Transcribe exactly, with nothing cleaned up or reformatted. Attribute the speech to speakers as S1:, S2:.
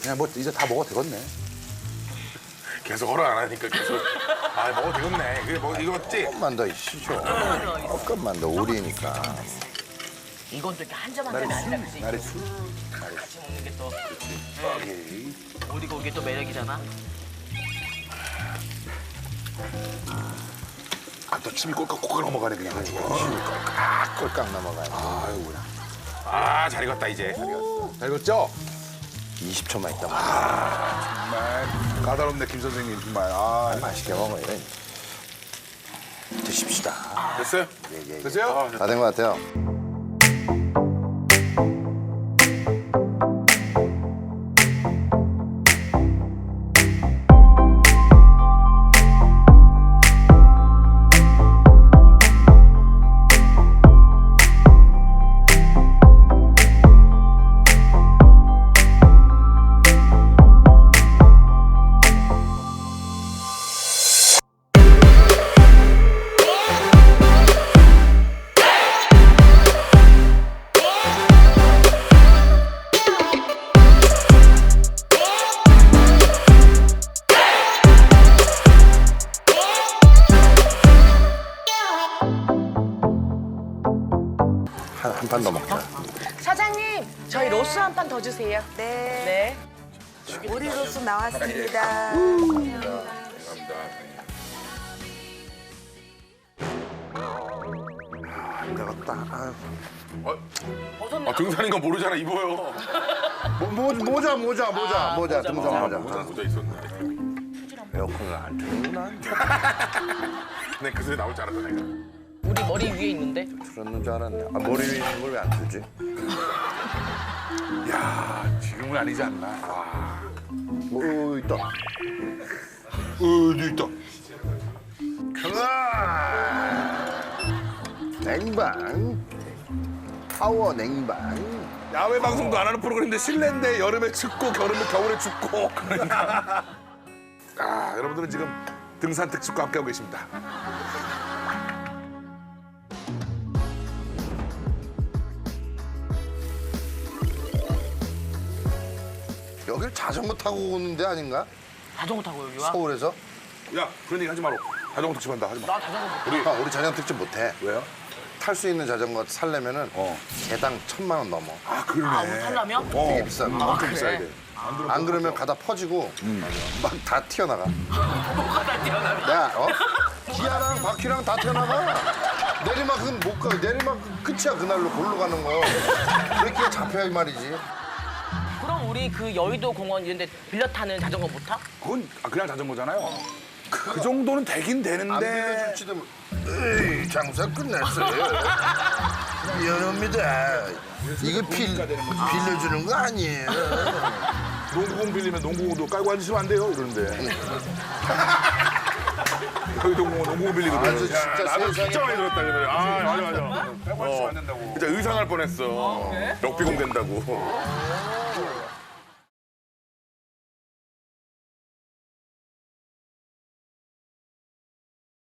S1: 그냥 뭐 이제 다 먹어도 되겠네.
S2: 계속 허락 안 하니까 계속 아 먹어도 되겠네. 그래 뭐 이거 맞지?
S3: 조금만 더 쉬죠. 조금만 더 우리니까.
S4: 이건 또 이렇게 한 점 한 점이 아니라 그지?
S1: 나리 술.
S4: 같이 먹는 게 또
S1: 오케이.
S4: 어디고 이게 또 매력이잖아.
S1: 아또 침이 꼴깍꼴깍 넘어가네 그냥 아주.
S3: 아, 꼴깍 넘어가요.
S1: 아이고야.
S2: 아잘 익었다 이제.
S1: 잘 익었죠?
S3: 이십 초만 있다 먹어.
S1: 정말 까다롭네 김 선생님 정말. 아
S3: 맛있게 먹어요. 드십시다.
S2: 됐어요?
S3: 예, 예, 예.
S1: 됐어요?
S3: 다 된 것 같아요. 한 판 더 먹자.
S4: 사장님, 저희 로스 한 판 더 주세요.
S5: 네.
S4: 네.
S5: 오리 로스 나왔습니다.
S3: 안 되겠다. 아유.
S2: 아 등산인 거 모르잖아 입어요.
S3: 모, 모, 모자, 모자, 모자, 모자, 등산 모자.
S2: 모자 모자 있었네.
S3: 에어컨을 안 틀는구나.
S2: 근데 그 소리 나올 줄 알았다 내가.
S4: 우리 머리 위에 있는데.
S3: 틀었는 줄 알았네. 아, 머리 위에 있는 걸 왜 안 틀지?
S1: 야 지금은 아니지 않나. 와.
S3: 오, 있다.
S1: 어디 있다.
S3: 으아! 냉방. 파워 냉방.
S1: 야외 방송도 안 하는 프로그램인데 실내인데 여름에 춥고 겨울에 겨울에 춥고 그러니까. 아 여러분들은 지금 등산 특집과 함께하고 계십니다.
S3: 여길 자전거 타고 오는 데 아닌가?
S4: 자전거 타고 여기 와?
S3: 서울에서?
S1: 야 그런 얘기 하지 마라. 자전거 특집한다 하지 마.
S4: 나 자전거 못
S3: 우리, 형, 우리 자전거 특집 못해.
S1: 왜요?
S3: 탈 수 있는 자전거 살려면은
S1: 어.
S3: 개당 천만 원 넘어.
S1: 아 그러네.
S4: 아, 우리 타려면?
S1: 어.
S3: 되게 비싼 거.
S1: 엄청
S4: 그래?
S1: 비싸야 돼.
S3: 안 그러면 가다 퍼지고 막 다 튀어나가.
S4: 뭐가 다 뛰어나면.
S3: 야, 어? 기아랑 바퀴랑 다 튀어나가. 내리막은 못 가. 내리막 끝이야 그날로 골로 가는 거. 그렇게 잡혀야 말이지.
S4: 그럼 우리 그 여의도 공원 이런 데 빌려 타는 자전거 못 타?
S1: 그건 아, 그냥 자전거잖아요. 그 정도는 되긴
S3: 안
S1: 되는데.
S3: 빌려줄지도 모- 에이, 장사 끝났어요. 미안합니다. 이거 빌, 빌려주는 거 아니에요.
S1: 농구공 빌리면 농구공도 깔고 앉으시면 안 돼요 이러는데. 여기 농구공 농구공 빌리거든.
S3: 아주 진짜
S2: 나도
S3: 세상에
S2: 진짜 많이 들었다 그래. 아 맞아 맞아.
S1: 깔고 앉으시면 안 된다고.
S2: 진짜 의상할 뻔했어. 럭비공 된다고.